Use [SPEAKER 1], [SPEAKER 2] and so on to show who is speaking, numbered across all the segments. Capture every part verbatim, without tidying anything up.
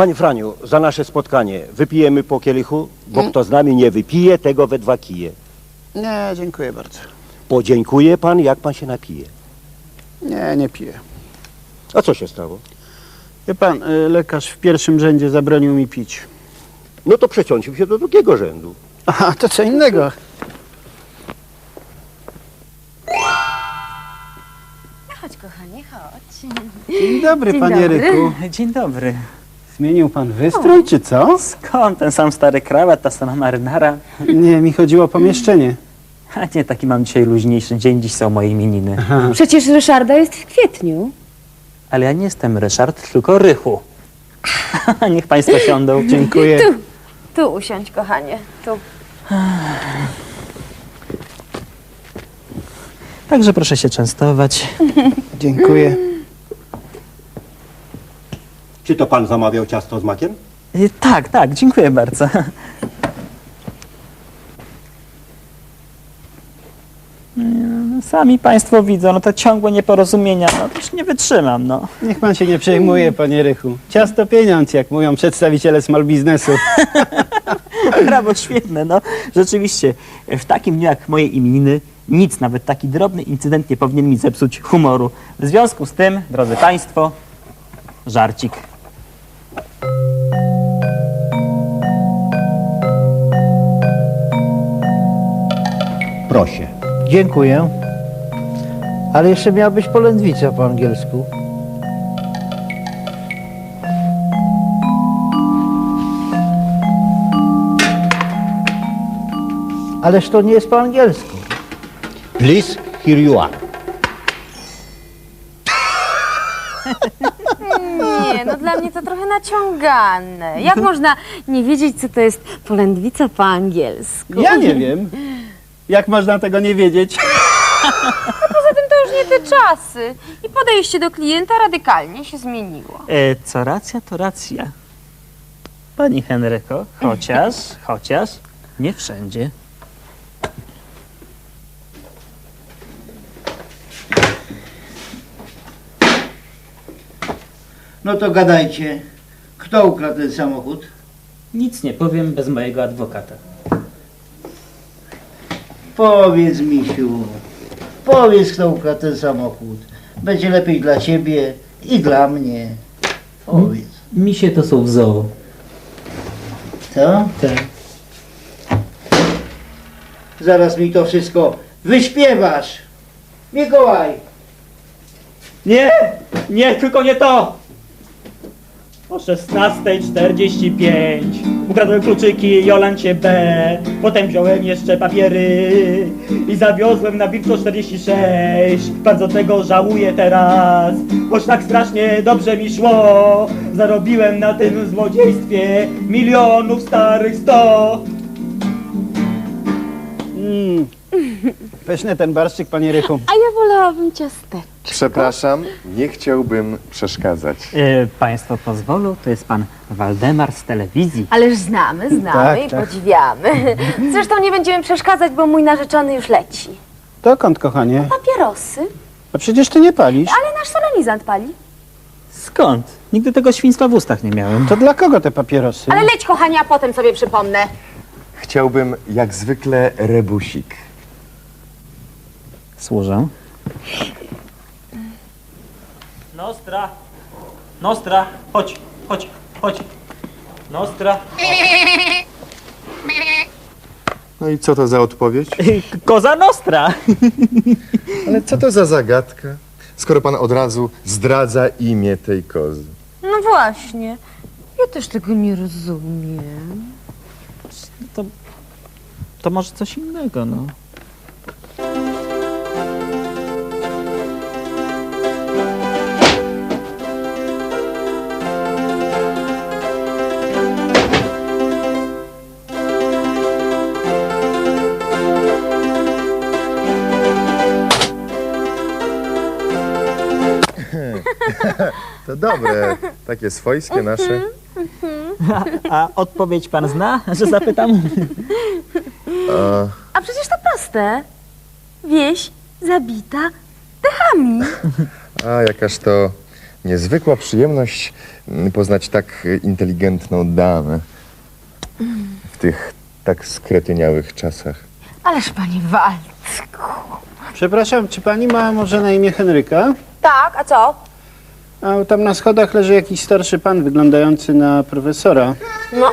[SPEAKER 1] Panie Franiu, za nasze spotkanie wypijemy po kielichu, bo kto z nami nie wypije, tego we dwa kije.
[SPEAKER 2] Nie, dziękuję bardzo.
[SPEAKER 1] Podziękuje pan, jak pan się napije.
[SPEAKER 2] Nie, nie piję.
[SPEAKER 1] A co się stało?
[SPEAKER 2] Wie pan, y, lekarz w pierwszym rzędzie zabronił mi pić.
[SPEAKER 1] No to przeciącił się do drugiego rzędu.
[SPEAKER 2] Aha, to co innego.
[SPEAKER 3] Chodź, kochanie, chodź.
[SPEAKER 2] Dzień dobry,
[SPEAKER 3] Dzień
[SPEAKER 2] panie
[SPEAKER 3] dobry.
[SPEAKER 2] Ryku.
[SPEAKER 4] Dzień dobry.
[SPEAKER 2] Zmienił pan wystrój, czy co?
[SPEAKER 4] Skąd ten sam stary krawat, ta sama marynara?
[SPEAKER 2] Nie, mi chodziło o pomieszczenie.
[SPEAKER 4] A nie, taki mam dzisiaj luźniejszy dzień, dziś są moje imieniny.
[SPEAKER 3] Przecież Ryszarda jest w kwietniu.
[SPEAKER 4] Ale ja nie jestem Ryszard, tylko Rychu. Niech państwo siądą.
[SPEAKER 2] Dziękuję.
[SPEAKER 3] Tu, tu usiądź, kochanie, tu.
[SPEAKER 4] Także proszę się częstować.
[SPEAKER 2] Dziękuję.
[SPEAKER 1] Czy to pan zamawiał ciasto z makiem?
[SPEAKER 4] Y, Tak, tak, dziękuję bardzo. Mm, Sami państwo widzą, no to ciągłe nieporozumienia, no to już nie wytrzymam, no.
[SPEAKER 2] Niech pan się nie przejmuje, panie Rychu. Ciasto pieniądz, jak mówią przedstawiciele small biznesu.
[SPEAKER 4] Brawo, świetne, no. Rzeczywiście, w takim dniu jak moje imieniny, nic, nawet taki drobny incydent nie powinien mi zepsuć humoru. W związku z tym, drodzy państwo, żarcik.
[SPEAKER 1] Proszę.
[SPEAKER 5] Dziękuję. Ale jeszcze miała być polędwica po angielsku. Ależ to nie jest po angielsku.
[SPEAKER 1] Please, here you are.
[SPEAKER 3] Nie, no dla mnie to trochę naciągane. Jak można nie wiedzieć, co to jest polędwica po angielsku?
[SPEAKER 2] Ja nie wiem. Jak można tego nie wiedzieć?
[SPEAKER 3] Poza tym to już nie te czasy. I podejście do klienta radykalnie się zmieniło.
[SPEAKER 4] E, co racja, to racja. Pani Henryko, chociaż, chociaż, nie wszędzie.
[SPEAKER 5] No to gadajcie. Kto ukradł ten samochód?
[SPEAKER 4] Nic nie powiem bez mojego adwokata.
[SPEAKER 5] Powiedz, misiu. Powiedz, kto ukradł ten samochód. Będzie lepiej dla ciebie i dla mnie. Powiedz.
[SPEAKER 4] Misie to są w zoo.
[SPEAKER 5] Co?
[SPEAKER 4] Tak.
[SPEAKER 5] Zaraz mi to wszystko wyśpiewasz. Mikołaj!
[SPEAKER 4] Nie, nie, tylko nie to! O szesnastej czterdzieści pięć ukradłem kluczyki Jolancie B. Potem wziąłem jeszcze papiery i zawiozłem na Wilczo czterdzieści sześć. Bardzo tego żałuję teraz, choć tak strasznie dobrze mi szło. Zarobiłem na tym złodziejstwie milionów starych sto.
[SPEAKER 2] Mm. Pyszny ten barszczyk, panie Rychu.
[SPEAKER 3] A ja wolałabym ciasteczko.
[SPEAKER 6] Przepraszam, nie chciałbym przeszkadzać.
[SPEAKER 4] E, państwo pozwolą, to jest pan Waldemar z telewizji.
[SPEAKER 3] Ależ znamy, znamy
[SPEAKER 2] Tak,
[SPEAKER 3] i
[SPEAKER 2] tak.
[SPEAKER 3] podziwiamy. Zresztą nie będziemy przeszkadzać, bo mój narzeczony już leci.
[SPEAKER 2] Dokąd, kochanie?
[SPEAKER 3] Papierosy?
[SPEAKER 2] A przecież ty nie palisz.
[SPEAKER 3] Ale nasz solenizant pali.
[SPEAKER 4] Skąd? Nigdy tego świństwa w ustach nie miałem.
[SPEAKER 2] To dla kogo te papierosy?
[SPEAKER 3] Ale leć, kochanie, a potem sobie przypomnę.
[SPEAKER 6] Chciałbym jak zwykle rebusik.
[SPEAKER 4] Służę. Nostra! Nostra! Chodź, chodź, chodź. Nostra!
[SPEAKER 6] No i co to za odpowiedź?
[SPEAKER 4] Koza Nostra!
[SPEAKER 6] Ale co to za zagadka, skoro pan od razu zdradza imię tej kozy?
[SPEAKER 3] No właśnie. Ja też tego nie rozumiem.
[SPEAKER 4] To, to może coś innego, no.
[SPEAKER 6] To dobre, takie swojskie nasze.
[SPEAKER 4] A, a odpowiedź pan zna, że zapytam?
[SPEAKER 6] A,
[SPEAKER 3] A przecież to proste. Wieś zabita dechami.
[SPEAKER 6] a jakaż to niezwykła przyjemność mm, poznać tak inteligentną damę w tych tak skretyniałych czasach.
[SPEAKER 3] Ależ panie Waldku.
[SPEAKER 2] Przepraszam, czy pani ma może na imię Henryka?
[SPEAKER 3] Tak, a co?
[SPEAKER 2] A tam na schodach leży jakiś starszy pan wyglądający na profesora,
[SPEAKER 3] No,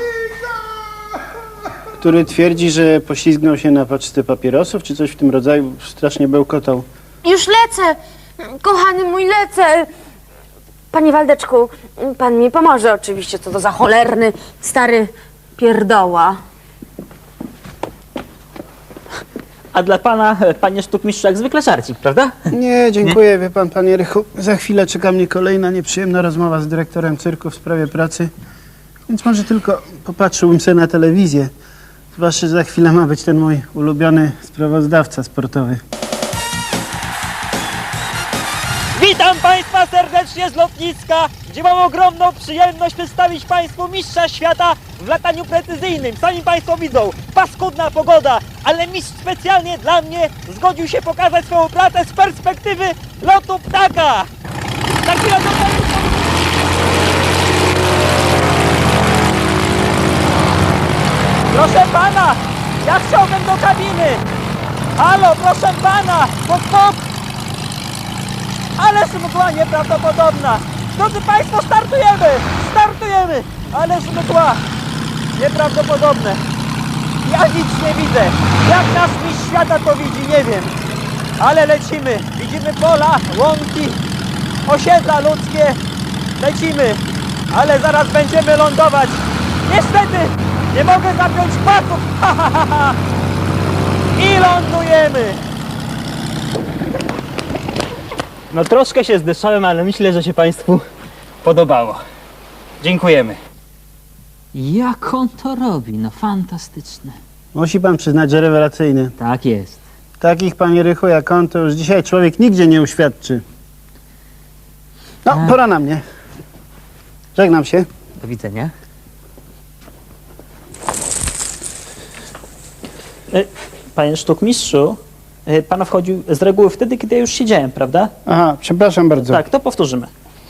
[SPEAKER 2] który twierdzi, że poślizgnął się na paczce papierosów, czy coś w tym rodzaju. Strasznie bełkotał.
[SPEAKER 3] już lecę. Kochany mój, lecę. Panie Waldeczku, pan mi pomoże oczywiście, co to za cholerny, stary pierdoła.
[SPEAKER 4] A dla pana, e, panie sztukmistrzu, jak zwykle żarcik, prawda?
[SPEAKER 2] Nie, dziękuję, wie pan, panie Rychu. Za chwilę czeka mnie kolejna nieprzyjemna rozmowa z dyrektorem cyrku w sprawie pracy, więc może tylko popatrzyłbym sobie na telewizję. Zwłaszcza, że za chwilę ma być ten mój ulubiony sprawozdawca sportowy.
[SPEAKER 4] Witam Państwa serdecznie z lotniska, gdzie mam ogromną przyjemność przedstawić Państwu mistrza świata w lataniu precyzyjnym. Sami Państwo widzą, paskudna pogoda, ale mistrz specjalnie dla mnie zgodził się pokazać swoją pracę z perspektywy lotu ptaka. Za chwilę do Państwa... Proszę Pana, ja chciałbym do kabiny. Halo, proszę Pana, puk, puk. Ależ mgła nieprawdopodobna! Drodzy Państwo, startujemy! Startujemy! Ależ mgła nieprawdopodobne! Ja nic nie widzę! Jak nasz mistrz świata to widzi, nie wiem! Ale lecimy! Widzimy pola, łąki, osiedla ludzkie! Lecimy! Ale zaraz będziemy lądować! Niestety! Nie mogę zapiąć pasów! Ha, ha, ha, ha. I lądujemy! No troszkę się zdyszałem, ale myślę, że się Państwu podobało. Dziękujemy.
[SPEAKER 7] Jak on to robi? No fantastyczne.
[SPEAKER 2] Musi pan przyznać, że rewelacyjny.
[SPEAKER 7] Tak jest.
[SPEAKER 2] Takich, panie Rychu, jak on, to już dzisiaj człowiek nigdzie nie uświadczy. No,
[SPEAKER 7] A.
[SPEAKER 2] pora na mnie. Żegnam się.
[SPEAKER 7] Do widzenia.
[SPEAKER 4] E, Panie sztukmistrzu, e, Pan wchodził z reguły wtedy, kiedy ja już siedziałem, prawda?
[SPEAKER 2] Aha, przepraszam bardzo.
[SPEAKER 4] Tak, to powtórzymy.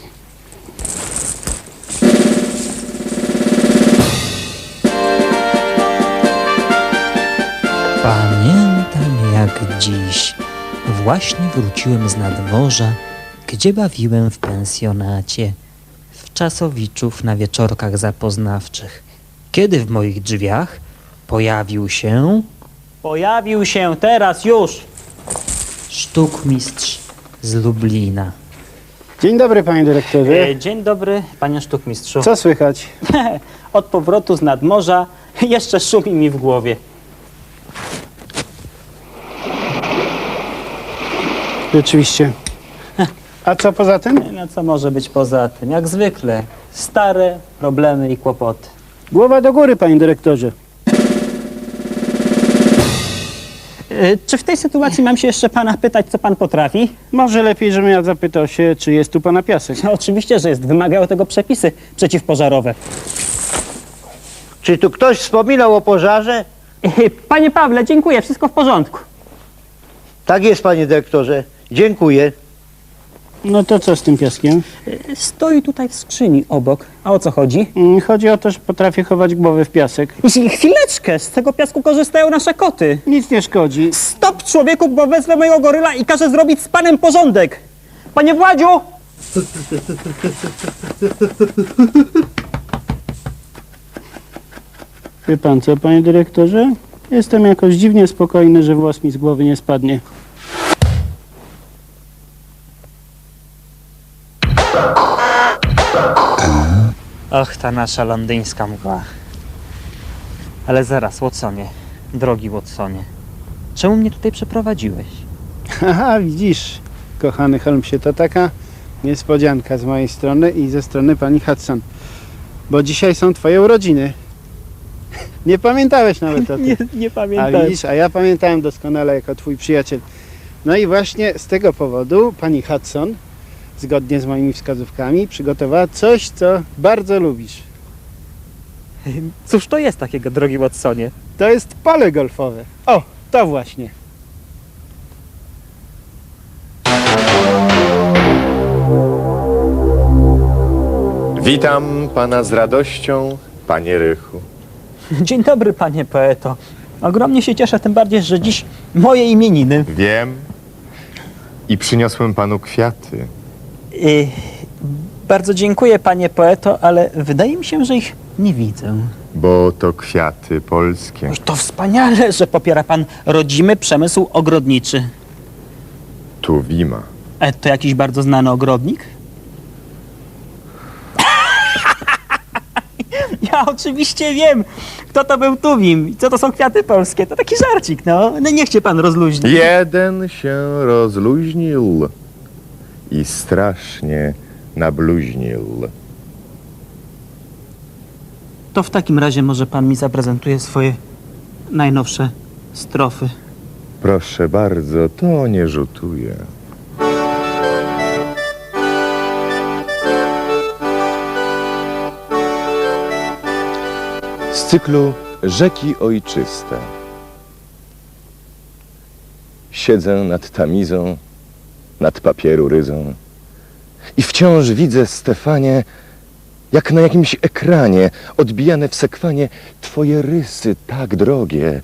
[SPEAKER 7] Pamiętam jak dziś. Właśnie wróciłem z nadmorza, gdzie bawiłem w pensjonacie, w Czasowiczów na wieczorkach zapoznawczych, kiedy w moich drzwiach pojawił się
[SPEAKER 4] Pojawił się teraz już.
[SPEAKER 7] sztukmistrz z Lublina.
[SPEAKER 2] Dzień dobry, panie dyrektorze.
[SPEAKER 4] E, Dzień dobry, panie sztukmistrzu.
[SPEAKER 2] Co słychać?
[SPEAKER 4] Od powrotu z nadmorza jeszcze szumi mi w głowie.
[SPEAKER 2] Rzeczywiście. A co poza tym?
[SPEAKER 4] No co może być poza tym? Jak zwykle, stare problemy i kłopoty.
[SPEAKER 2] Głowa do góry, panie dyrektorze.
[SPEAKER 4] E, Czy w tej sytuacji mam się jeszcze pana pytać, co pan potrafi?
[SPEAKER 2] Może lepiej, żebym ja zapytał się, czy jest tu pana piasek.
[SPEAKER 4] No, oczywiście, że jest. Wymagają tego przepisy przeciwpożarowe.
[SPEAKER 1] Czy tu ktoś wspominał o pożarze?
[SPEAKER 4] E, Panie Pawle, dziękuję. Wszystko w porządku.
[SPEAKER 1] Tak jest, panie dyrektorze. Dziękuję.
[SPEAKER 2] No to co z tym piaskiem?
[SPEAKER 4] E, Stoi tutaj w skrzyni obok. A o co chodzi?
[SPEAKER 2] Mm, Chodzi o to, że potrafię chować głowę w piasek.
[SPEAKER 4] Chwileczkę, z tego piasku korzystają nasze koty.
[SPEAKER 2] Nic nie szkodzi.
[SPEAKER 4] Stop, człowieku, bo wezmę mojego goryla i każę zrobić z panem porządek. Panie Władziu!
[SPEAKER 2] Wie pan co, panie dyrektorze? Jestem jakoś dziwnie spokojny, że włos mi z głowy nie spadnie.
[SPEAKER 7] Och, ta nasza londyńska mgła. Ale zaraz, Watsonie, drogi Watsonie, czemu mnie tutaj przeprowadziłeś?
[SPEAKER 2] Aha, widzisz, kochany Holmesie, to taka niespodzianka z mojej strony i ze strony pani Hudson. Bo dzisiaj są twoje urodziny. Nie pamiętałeś nawet o tym.
[SPEAKER 4] Nie, nie
[SPEAKER 2] A
[SPEAKER 4] pamiętam.
[SPEAKER 2] widzisz, a ja pamiętałem doskonale jako twój przyjaciel. No i właśnie z tego powodu pani Hudson, zgodnie z moimi wskazówkami, przygotowała coś, co bardzo lubisz.
[SPEAKER 4] Cóż to jest takiego, drogi Watsonie?
[SPEAKER 2] To jest pole golfowe. O, to właśnie.
[SPEAKER 6] Witam pana z radością, panie Rychu.
[SPEAKER 7] Dzień dobry, panie poeto. Ogromnie się cieszę, tym bardziej, że dziś moje imieniny.
[SPEAKER 6] Wiem. I przyniosłem panu kwiaty.
[SPEAKER 7] Y, bardzo dziękuję, panie poeto, ale wydaje mi się, że ich nie widzę.
[SPEAKER 6] Bo to kwiaty polskie.
[SPEAKER 7] Oj, to wspaniale, że popiera pan rodzimy przemysł ogrodniczy.
[SPEAKER 6] Tuwima.
[SPEAKER 7] E, to jakiś bardzo znany ogrodnik? Ja oczywiście wiem, kto to był Tuwim i co to są kwiaty polskie. To taki żarcik, no. No niech cię pan rozluźni.
[SPEAKER 6] Jeden się rozluźnił i strasznie nabluźnił.
[SPEAKER 7] To w takim razie może pan mi zaprezentuje swoje najnowsze strofy.
[SPEAKER 6] Proszę bardzo, to nie rzutuje. Z cyklu Rzeki Ojczyste. Siedzę nad tamizą, nad papieru ryzą i wciąż widzę, Stefanie, jak na jakimś ekranie, odbijane w sekwanie, twoje rysy tak drogie.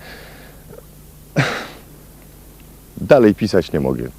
[SPEAKER 6] Dalej pisać nie mogę.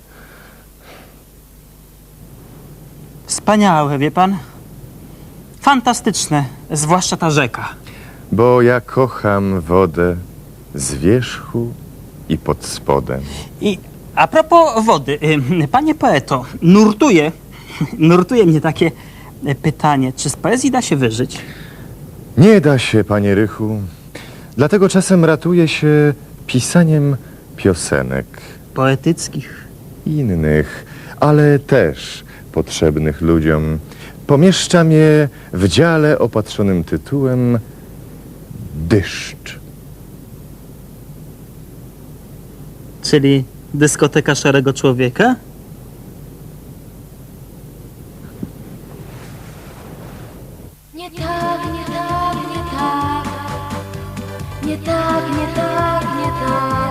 [SPEAKER 7] Wspaniałe, wie pan? Fantastyczne, zwłaszcza ta rzeka.
[SPEAKER 6] Bo ja kocham wodę z wierzchu i pod spodem.
[SPEAKER 7] I a propos wody, y, panie poeto, nurtuje, nurtuje mnie takie y, pytanie, czy z poezji da się wyżyć?
[SPEAKER 6] Nie da się, panie Rychu. Dlatego czasem ratuje się pisaniem piosenek
[SPEAKER 7] Poetyckich.
[SPEAKER 6] innych, ale też potrzebnych ludziom. Pomieszczam je w dziale opatrzonym tytułem Dyszcz.
[SPEAKER 7] Czyli dyskoteka Szarego Człowieka?
[SPEAKER 3] Nie tak, nie tak, nie tak. Nie tak, nie tak, nie tak.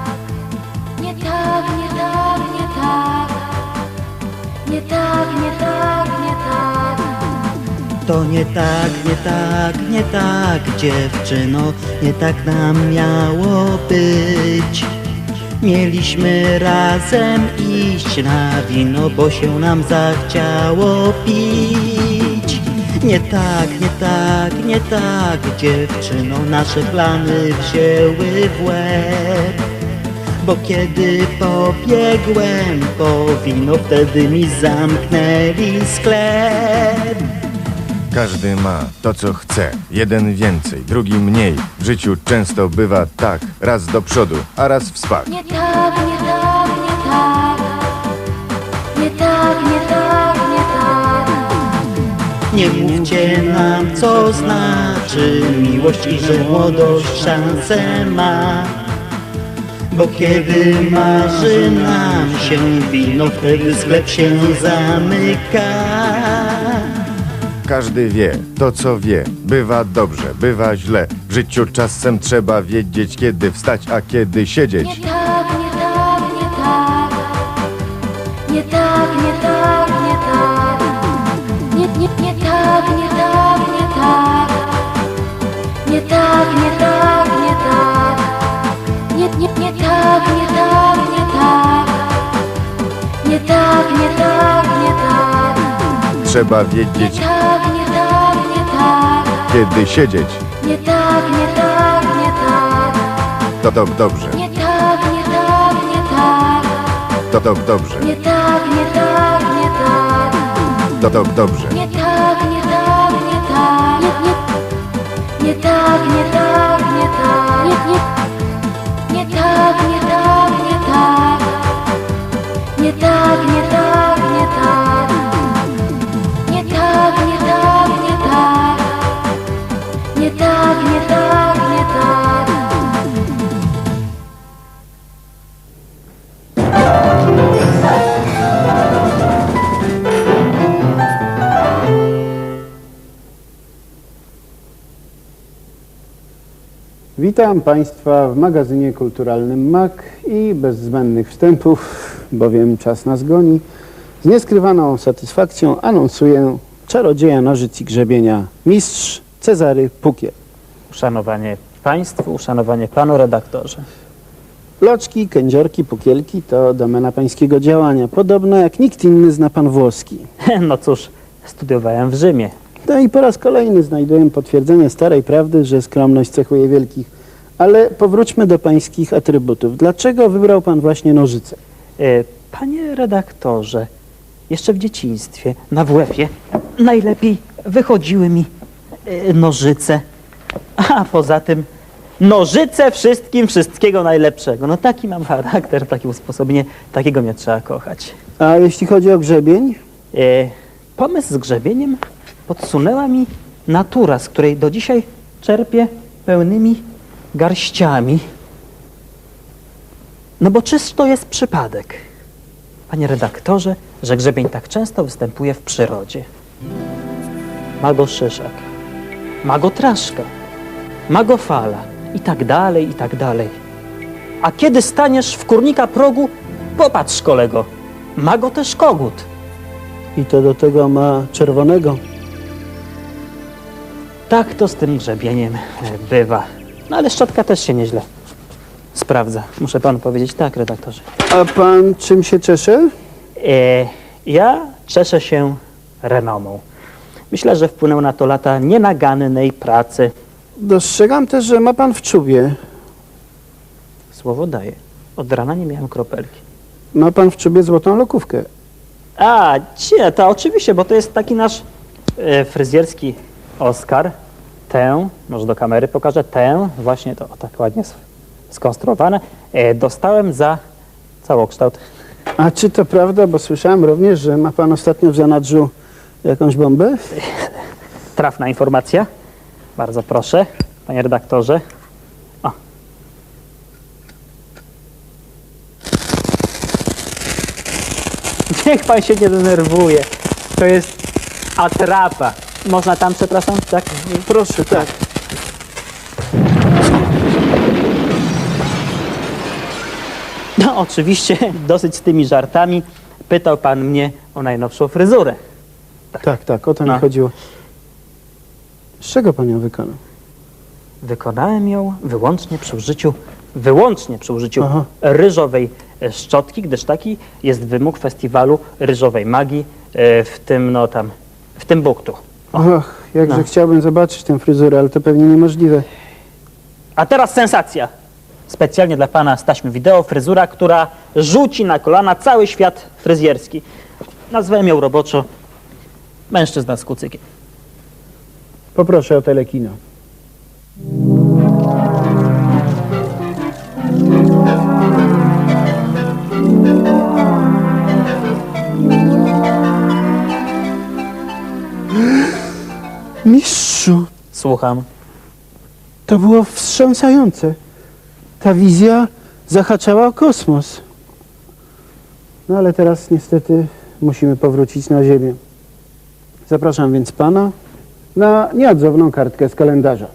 [SPEAKER 3] Nie tak, nie tak, nie tak. Nie tak, nie tak, nie tak.
[SPEAKER 8] To nie tak, nie tak, nie tak, dziewczyno, nie tak nam miało być. Mieliśmy razem iść na wino, bo się nam zachciało pić. Nie tak, nie tak, nie tak, dziewczyno, nasze plany wzięły w łeb. Bo kiedy pobiegłem po wino, wtedy mi zamknęli sklep.
[SPEAKER 6] Każdy ma to, co chce. Jeden więcej, drugi mniej. W życiu często bywa tak, raz do przodu, a raz w spad.
[SPEAKER 3] Nie tak, nie tak, nie tak. Nie tak, nie tak, nie tak.
[SPEAKER 8] Nie mówcie nam, co znaczy miłość i że młodość szansę ma. Bo kiedy marzy nam się wino, wtedy sklep się zamyka.
[SPEAKER 6] Każdy wie to, co wie. Bywa dobrze, bywa źle. W życiu czasem trzeba wiedzieć, kiedy wstać, a kiedy siedzieć.
[SPEAKER 3] Nie tak, nie tak, nie tak. Nie tak, nie tak, nie tak. Nie, nie, nie tak, nie tak, nie tak. Nie tak, nie tak, nie tak. Nie, nie, nie tak, nie tak, nie tak. Nie tak, nie tak, nie tak.
[SPEAKER 6] Trzeba
[SPEAKER 3] Nie
[SPEAKER 6] wiedzieć,
[SPEAKER 3] tak, nie tak, nie tak.
[SPEAKER 6] kiedy siedzieć.
[SPEAKER 3] Nie tak, nie tak, nie tak.
[SPEAKER 6] To do, dobrze,
[SPEAKER 3] Nie tak, nie tak, nie tak.
[SPEAKER 6] to do, dobrze,
[SPEAKER 3] Nie tak, nie tak, nie tak.
[SPEAKER 6] to do, dobrze.
[SPEAKER 3] Nie tak, nie tak, nie tak. Nie, nie, nie tak, nie tak, nie tak. Nie, nie, nie tak, nie tak, nie tak. Nie tak, nie tak, nie tak. Nie tak, nie tak, nie tak. Nie tak, nie tak, nie tak.
[SPEAKER 2] Witam Państwa w magazynie kulturalnym M A K i bez zbędnych wstępów, bowiem czas nas goni. Z nieskrywaną satysfakcją anonsuję czarodzieja nożyc i grzebienia, mistrz Cezary Pukiel.
[SPEAKER 7] Uszanowanie państwu, uszanowanie panu redaktorze.
[SPEAKER 2] Loczki, kędziorki, pukielki to domena pańskiego działania. Podobno jak nikt inny zna pan włoski.
[SPEAKER 7] No cóż, studiowałem w Rzymie.
[SPEAKER 2] No i po raz kolejny znajduję potwierdzenie starej prawdy, że skromność cechuje wielkich. Ale powróćmy do pańskich atrybutów. Dlaczego wybrał pan właśnie nożyce?
[SPEAKER 7] E, Panie redaktorze, jeszcze w dzieciństwie na W F-ie najlepiej wychodziły mi e, nożyce. A poza tym nożyce wszystkim wszystkiego najlepszego. No taki mam charakter, takie usposobienie, takiego mnie trzeba kochać.
[SPEAKER 2] A jeśli chodzi o grzebień?
[SPEAKER 7] E, pomysł z grzebieniem podsunęła mi natura, z której do dzisiaj czerpię pełnymi garściami. No bo czyż to jest przypadek, panie redaktorze, że grzebień tak często występuje w przyrodzie? Ma go szyszak, ma go traszka, ma go fala i tak dalej, i tak dalej. A kiedy staniesz w kurnika progu, popatrz kolego, ma go też kogut.
[SPEAKER 2] I to do tego ma czerwonego.
[SPEAKER 7] Tak to z tym grzebieniem e, bywa. No ale szczotka też się nieźle sprawdza. Muszę panu powiedzieć tak, redaktorze.
[SPEAKER 2] A pan czym się czesze?
[SPEAKER 7] E, ja cieszę się renomą. Myślę, że wpłynęły na to lata nienagannej pracy.
[SPEAKER 2] Dostrzegam też, że ma pan w czubie.
[SPEAKER 7] Słowo daję. Od rana nie miałem kropelki.
[SPEAKER 2] Ma pan w czubie złotą lokówkę.
[SPEAKER 7] A, nie, to oczywiście, bo to jest taki nasz e, fryzjerski Oskar. Tę, może do kamery pokażę, tę, właśnie to o, tak ładnie s- skonstruowane, e, dostałem za całokształt.
[SPEAKER 2] A czy to prawda, bo słyszałem również, że ma pan ostatnio w zanadrzu jakąś bombę?
[SPEAKER 7] Trafna informacja. Bardzo proszę, panie redaktorze. O. Niech pan się nie denerwuje. To jest atrapa. Można tam, przepraszam? Tak?
[SPEAKER 2] Proszę, tak.
[SPEAKER 7] No oczywiście, dosyć z tymi żartami. Pytał pan mnie o najnowszą fryzurę.
[SPEAKER 2] Tak, tak, o to
[SPEAKER 7] No.
[SPEAKER 2] mi chodziło. Z czego pan ją wykonał?
[SPEAKER 7] Wykonałem ją wyłącznie przy użyciu, wyłącznie przy użyciu
[SPEAKER 2] Aha.
[SPEAKER 7] ryżowej e, szczotki, gdyż taki jest wymóg festiwalu ryżowej magii e, w tym, no tam, w tym buktu.
[SPEAKER 2] Och, jakże
[SPEAKER 7] No.
[SPEAKER 2] chciałbym zobaczyć tę fryzurę, ale to pewnie niemożliwe.
[SPEAKER 7] A teraz sensacja. Specjalnie dla pana z taśmy wideo fryzura, która rzuci na kolana cały świat fryzjerski. Nazwałem ją roboczo mężczyzna z kucykiem.
[SPEAKER 2] Poproszę o telekino. Mistrzu,
[SPEAKER 7] Słucham.
[SPEAKER 2] to było wstrząsające. Ta wizja zahaczała o kosmos. No ale teraz niestety musimy powrócić na Ziemię. Zapraszam więc pana na nieodzowną kartkę z kalendarza.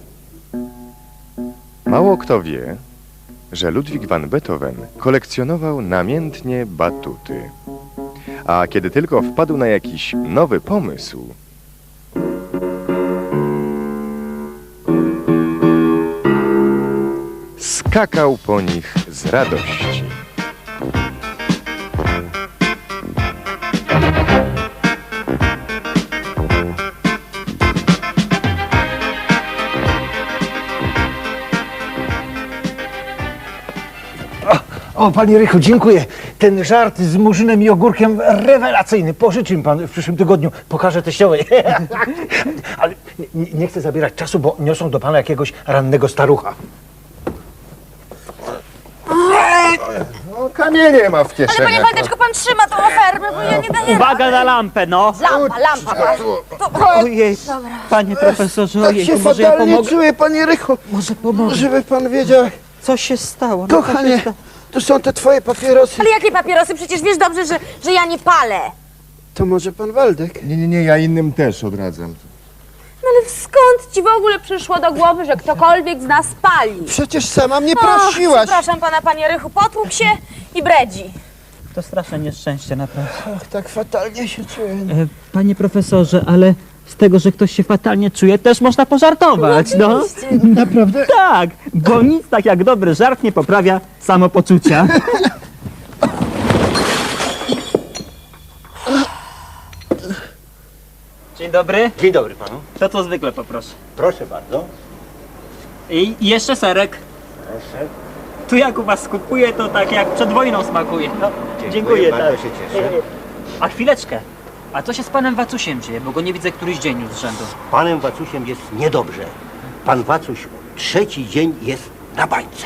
[SPEAKER 6] Mało kto wie, że Ludwig van Beethoven kolekcjonował namiętnie batuty. A kiedy tylko wpadł na jakiś nowy pomysł, skakał po nich z radości.
[SPEAKER 9] O, panie Rychu, dziękuję. Ten żart z murzynem i ogórkiem rewelacyjny. Pożyczy mi pan w przyszłym tygodniu. Pokażę teściowej. Ale nie, nie chcę zabierać czasu, bo niosą do pana jakiegoś rannego starucha.
[SPEAKER 6] No, kamienie ma w
[SPEAKER 10] Ale
[SPEAKER 6] kieszeni.
[SPEAKER 10] panie Waldeczko, pan trzyma tą ofermę, bo ja nie daję
[SPEAKER 7] Uwaga na lampę, no!
[SPEAKER 10] Lampa, lampa.
[SPEAKER 7] Ojej, panie profesorze,
[SPEAKER 2] Tak
[SPEAKER 7] ojej,
[SPEAKER 2] się
[SPEAKER 7] może ja
[SPEAKER 2] fatalnie
[SPEAKER 7] pomogę?
[SPEAKER 2] czuję, panie Rychu.
[SPEAKER 7] Może pomogę?
[SPEAKER 2] Żeby pan wiedział,
[SPEAKER 7] Co się stało? No, co się
[SPEAKER 2] kochanie,
[SPEAKER 7] sta-
[SPEAKER 2] tu są te twoje papierosy.
[SPEAKER 10] Ale jakie papierosy? Przecież wiesz dobrze, że, że ja nie palę.
[SPEAKER 2] To może pan Waldek?
[SPEAKER 6] Nie, nie, nie, ja innym też odradzam.
[SPEAKER 10] No ale skąd ci w ogóle przyszło do głowy, że ktokolwiek z nas pali?
[SPEAKER 2] Przecież sama mnie
[SPEAKER 10] Och,
[SPEAKER 2] prosiłaś.
[SPEAKER 10] przepraszam pana, panie Rychu, potłukł się i bredzi.
[SPEAKER 7] To straszne nieszczęście, naprawdę.
[SPEAKER 2] Ach, tak fatalnie się czuję.
[SPEAKER 7] E, Panie profesorze, ale z tego, że ktoś się fatalnie czuje, też można pożartować, no.
[SPEAKER 2] Naprawdę?
[SPEAKER 7] Tak, bo nic tak jak dobry żart nie poprawia samopoczucia. Dzień dobry.
[SPEAKER 1] Dzień dobry panu.
[SPEAKER 7] To co zwykle poproszę.
[SPEAKER 1] Proszę bardzo.
[SPEAKER 7] I i jeszcze serek.
[SPEAKER 1] Proszę.
[SPEAKER 7] Tu jak u was kupuję, to tak jak przed wojną smakuje. No,
[SPEAKER 1] Dziękuję,
[SPEAKER 7] dziękuję,
[SPEAKER 1] bardzo
[SPEAKER 7] tak.
[SPEAKER 1] się cieszę.
[SPEAKER 7] A chwileczkę. A co się z panem Wacusiem dzieje? Bo go nie widzę któryś dzień już z rzędu.
[SPEAKER 1] Panem Wacusiem jest niedobrze. Pan Wacuś trzeci dzień jest na bańce.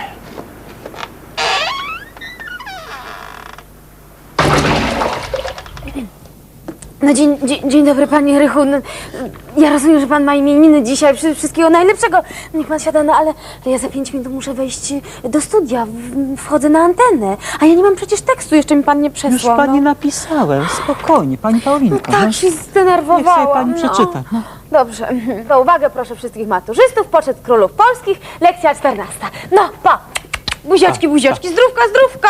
[SPEAKER 10] No dzień, dzień, dzień dobry, panie Rychu. No, ja rozumiem, że pan ma imieniny dzisiaj. Wszy- Wszystkiego najlepszego. Niech pan siada, no ale ja za pięć minut muszę wejść do studia. W- Wchodzę na antenę. A ja nie mam przecież tekstu, jeszcze mi pan nie
[SPEAKER 7] Już
[SPEAKER 10] przesłał.
[SPEAKER 7] pani
[SPEAKER 10] no.
[SPEAKER 7] napisałem, spokojnie, pani
[SPEAKER 10] No
[SPEAKER 7] Paulinko.
[SPEAKER 10] tak
[SPEAKER 7] no.
[SPEAKER 10] się
[SPEAKER 7] Niech
[SPEAKER 10] zdenerwowałam.
[SPEAKER 7] sobie pani
[SPEAKER 10] no.
[SPEAKER 7] przeczyta. No.
[SPEAKER 10] Dobrze. To uwagę proszę wszystkich maturzystów. Poczet królów polskich. Lekcja czternasta. No, pa. Buziaczki, buziaczki. Zdrówka, zdrówka.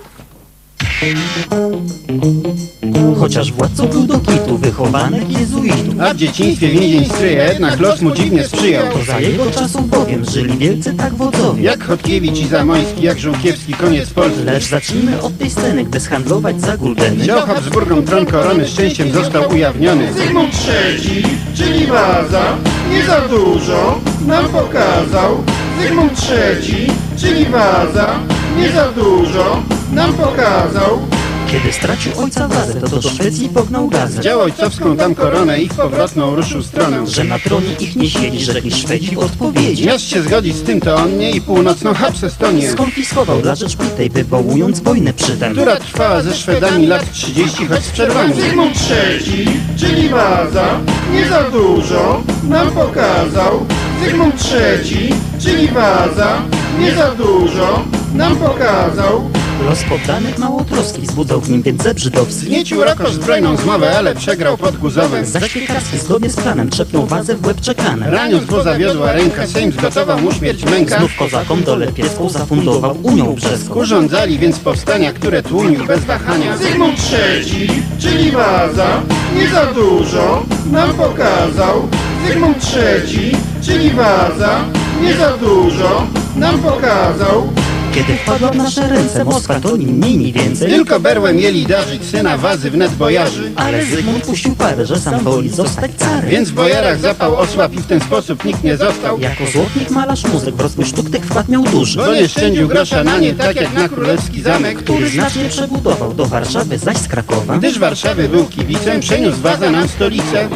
[SPEAKER 8] Chociaż władcą był do kitu, wychowanek jezuitów.
[SPEAKER 2] A w dzieciństwie więzień stryja, jednak los mu dziwnie sprzyjał.
[SPEAKER 8] To za jego czasów bowiem żyli wielcy tak wodzowie.
[SPEAKER 2] Jak Chodkiewicz i Zamoyski, jak Żółkiewski, koniec Polski.
[SPEAKER 8] Lecz zacznijmy od tej sceny, gdy zhandlować za guldeny.
[SPEAKER 2] Wziął Habsburgom tron korony, szczęściem został ujawniony. Zygmunt trzeci, czyli Waza, nie za dużo nam pokazał. Zygmunt trzeci, czyli Waza, nie za dużo nam pokazał.
[SPEAKER 8] Kiedy stracił ojca Wazę, to do Szwecji pognał gazę.
[SPEAKER 2] Wziął ojcowską tam koronę i w powrotną ruszył stronę.
[SPEAKER 8] Że na tronie ich nie siedzi, rzekli Szwedzi w odpowiedzi.
[SPEAKER 2] Miast się zgodzić z tym, to on nie i północną Habsestonię,
[SPEAKER 8] Skonfiskował dla Rzeczpospolitej, wywołując wojnę przytem.
[SPEAKER 2] która trwała ze Szwedami lat trzydzieści, choć z przerwami. Zygmunt trzeci, czyli Waza, nie za dużo nam pokazał. Zygmunt trzeci, czyli Waza, nie za dużo nam pokazał.
[SPEAKER 8] Los poddanych małotroski wzbudzał w nim więc zeb żydowski.
[SPEAKER 2] Zniecił Rakosz zbrojną zmowę, ale przegrał pod Guzowem.
[SPEAKER 8] Zaś Piekarski zgodnie z planem trzepnął Wazę w łeb czekanem.
[SPEAKER 2] Raniąc, bo zawiodła ręka, Sejm zgotował mu śmierć męka.
[SPEAKER 8] Znów kozakom dolę pieską zafundował Unią Brzeską.
[SPEAKER 2] Urządzali więc powstania, które tłumił bez wahania. Zygmunt trzeci, czyli Waza, nie za dużo nam pokazał. Zygmunt trzeci, czyli Waza, nie za dużo nam pokazał.
[SPEAKER 8] Kiedy wpadła w nasze ręce Moskwa, to ni mniej, ni więcej.
[SPEAKER 2] Tylko berłem mieli darzyć syna Wazy wnet bojarzy.
[SPEAKER 8] Ale Zygmunt puścił parę, że sam woli zostać carem.
[SPEAKER 2] Więc w bojarach zapał osłabł i w ten sposób nikt nie został.
[SPEAKER 8] Jako złotnik, malarz, muzyk w rozwój sztuk tych wkład miał duży.
[SPEAKER 2] Bo nie szczędził grosza na nie, tak jak na królewski zamek,
[SPEAKER 8] Który znacznie przebudował do Warszawy, zaś z Krakowa.
[SPEAKER 2] Gdyż Warszawy był kibicem, przeniósł Waza nam stolicę.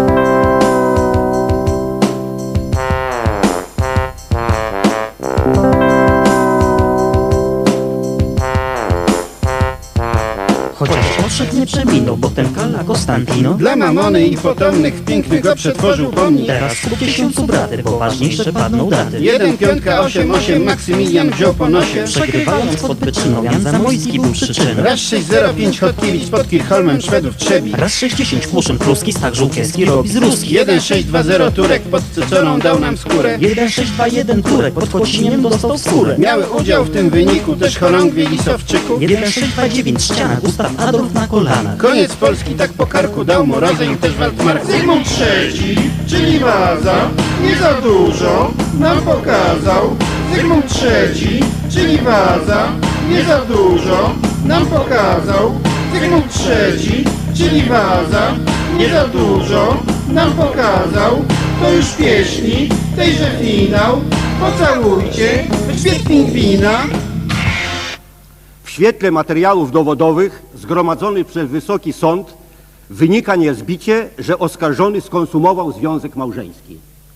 [SPEAKER 8] Chociaż odszedł nie przeminął, potem Kala Konstantino.
[SPEAKER 2] Dla mamony i potomnych pięknych go przetworzył pomnik.
[SPEAKER 8] Teraz po tysiącu braty, bo ważniejsze padną daty.
[SPEAKER 2] Jeden piątka osiem osiem Maksymilian wziął po nosie.
[SPEAKER 8] Przegrywając pod Byczyną, Jan Zamojski był przyczyną.
[SPEAKER 2] Raz sześć zero pięć Chodkiewicz pod Kirchholmem Szwedów trzebi.
[SPEAKER 8] Raz sześćdziesiąt Kłuszyn Pruski, Stach Żółkiewski robi z Ruski.
[SPEAKER 2] jeden sześć dwa zero Turek pod Cyconą dał nam skórę.
[SPEAKER 8] jeden sześć dwa jeden Turek pod Kociniem dostał skórę.
[SPEAKER 2] Miały udział w tym wyniku też chorągwie i Sowczyków.
[SPEAKER 8] jeden sześć dwa dziewięć Ściana, Gustaw Adolf na kolanach.
[SPEAKER 2] Koniec Polski tak po karku dał mu rozejm też Waldmark. Zygmunt trzeci, czyli Waza, nie za dużo nam pokazał. Zygmunt trzeci, czyli Waza, nie za dużo nam pokazał. Zygmunt trzeci, czyli Waza, nie za dużo nam pokazał. To już pieśni, tejże finał. Pocałujcie grzbiet pingwina.
[SPEAKER 1] W świetle materiałów dowodowych zgromadzonych przez Wysoki Sąd wynika niezbicie, że oskarżony skonsumował związek małżeński.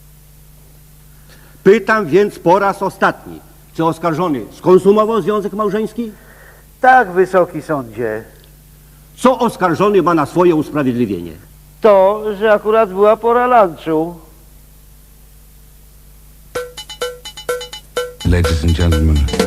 [SPEAKER 1] Pytam więc po raz ostatni, czy oskarżony skonsumował związek małżeński?
[SPEAKER 5] Tak, Wysoki Sądzie.
[SPEAKER 1] Co oskarżony ma na swoje usprawiedliwienie?
[SPEAKER 5] To, że akurat była pora lunchu.
[SPEAKER 11] Ladies and gentlemen,